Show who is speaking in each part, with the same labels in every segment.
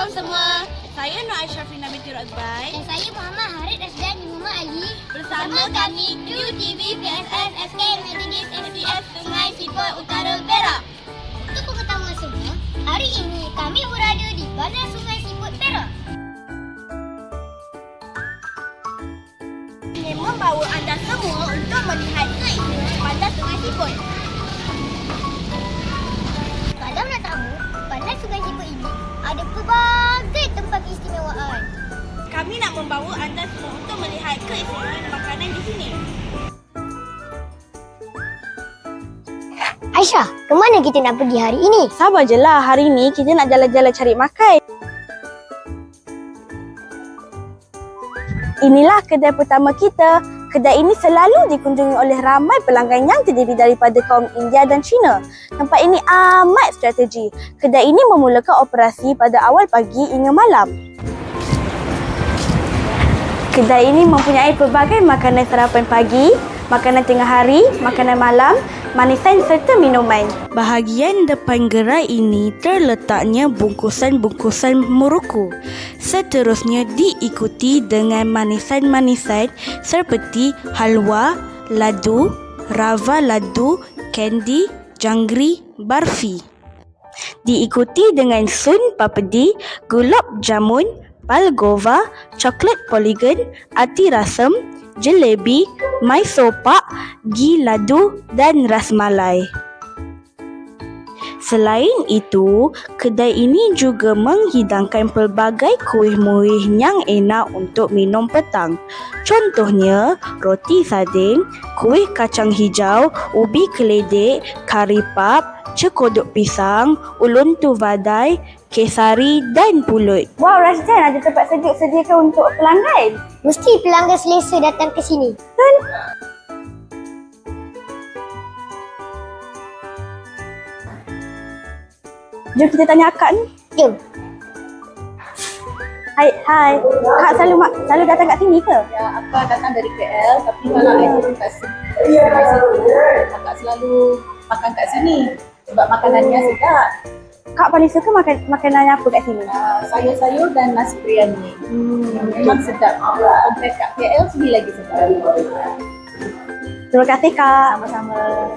Speaker 1: Assalamualaikum semua. Saya Nur Aisyafrina binti Razbai.
Speaker 2: Dan saya Muhammad Harid Rasdan Muhammad Ali.
Speaker 1: Bersama kami Kru TV PSS SK Methodist SPS Sungai Siput Utara Perak.
Speaker 2: Untuk pengetahuan semua, hari ini kami berada di Bandar Sungai Siput Perak.
Speaker 1: Ingin membawa anda semua untuk melihat keistimewaan Bandar Sungai Siput.
Speaker 2: Kalau nak tahu, Bandar Sungai Siput ini ada pelbagai tempat keistimewaan.
Speaker 1: Kami nak membawa anda semua untuk melihat keistimewaan makanan di sini.
Speaker 2: Aisyah, ke mana kita nak pergi hari ini?
Speaker 1: Sabar je lah, hari ni kita nak jalan-jalan cari makan. Inilah kedai pertama kita. Kedai ini selalu dikunjungi oleh ramai pelanggan yang terdiri daripada kaum India dan Cina. Tempat ini amat strategi. Kedai ini memulakan operasi pada awal pagi hingga malam. Kedai ini mempunyai pelbagai makanan sarapan pagi, makanan tengah hari, makanan malam, manisan serta minuman. Bahagian depan gerai ini terletaknya bungkusan-bungkusan Morocco. Seterusnya diikuti dengan manisan-manisan seperti halwa, ladu, rava ladu, candy, jangri, barfi. Diikuti dengan sun papedi, gulab jamun, palgova, coklat polygon, ati rasam, jelebi, Mysore pak, ghee ladu dan rasmalai. Selain itu, kedai ini juga menghidangkan pelbagai kuih-muih yang enak untuk minum petang. Contohnya, roti sardin, kuih kacang hijau, ubi keledek, kari pap, cekodok pisang, ulun tu vadai, kesari dan pulut. Wow, Rasdan, ada tempat sejuk sediakan untuk pelanggan.
Speaker 2: Mesti pelanggan selesa datang ke sini.
Speaker 1: Betul? Jom kita tanya akak ni.
Speaker 2: Jom.
Speaker 1: Hai. Kak selalu datang kat sini ke?
Speaker 3: Ya, akak datang dari KL tapi kalau saya turun kat sini, akak selalu makan kat sini sebab makanannya sedap.
Speaker 1: Kak paling suka makanan apa kat sini?
Speaker 3: Sayur-sayur dan nasi biryani. Memang sedap. Sampai kat KL sini lagi sedap.
Speaker 1: Terima kasih Kak.
Speaker 3: Sama-sama.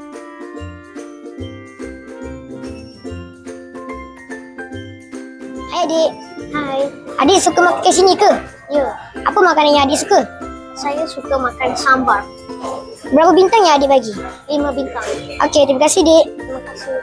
Speaker 2: Hai adik. Hai. Adik suka makan kat sini ke? Ya. Apa makanan yang adik suka? Saya suka makan sambar. Berapa bintang yang adik bagi? 5 bintang. Okey, terima kasih Dik. Terima kasih.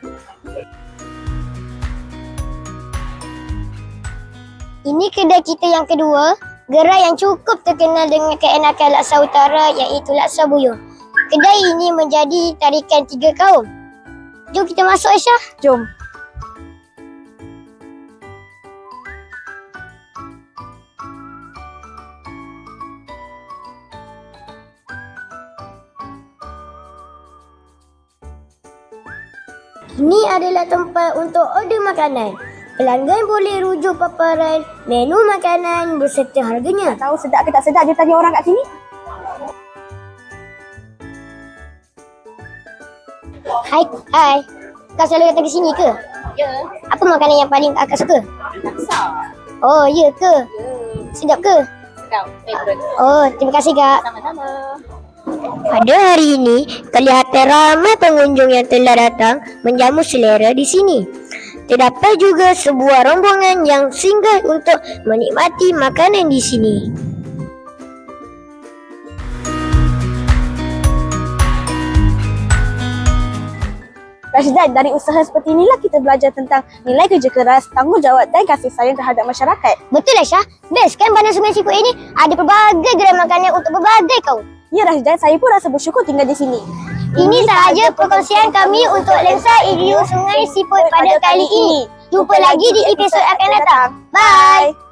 Speaker 2: Ini kedai kita yang kedua, gerai yang cukup terkenal dengan keenakan laksa utara iaitu laksa buyung. Kedai ini menjadi tarikan 3 kaum. Jom kita masuk Aisyah.
Speaker 1: Jom.
Speaker 2: Ini adalah tempat untuk order makanan. Pelanggan boleh rujuk paparan menu makanan berserta harganya.
Speaker 1: Tahu sedap ke tak sedap dia tanya orang kat sini?
Speaker 2: Hai. Kau selalu datang ke sini ke?
Speaker 3: Ya,
Speaker 2: Apa makanan yang paling akak suka?
Speaker 3: laksa.
Speaker 2: Oh, ya ke? Sedap ke?
Speaker 3: Sedap, favorite.
Speaker 2: Oh, terima kasih Kak.
Speaker 3: Sama-sama.
Speaker 2: Pada hari ini, kelihatan ramai pengunjung yang telah datang menjamu selera di sini. Terdapat juga sebuah rombongan yang singgah untuk menikmati makanan di sini.
Speaker 1: Rasdan, dari usaha seperti inilah kita belajar tentang nilai kerja keras, tanggungjawab dan kasih sayang terhadap masyarakat.
Speaker 2: Betul Aisyah? Best kan Bandar Sungai Siput ini ada pelbagai gerai makanan untuk berbagai kaum.
Speaker 1: Ya Rasdan, saya pun rasa bersyukur tinggal di sini.
Speaker 2: Ini sahaja perkongsian kami untuk lensa EDU Sungai Siput pada kali ini. Jumpa lagi di episod akan datang. Bye!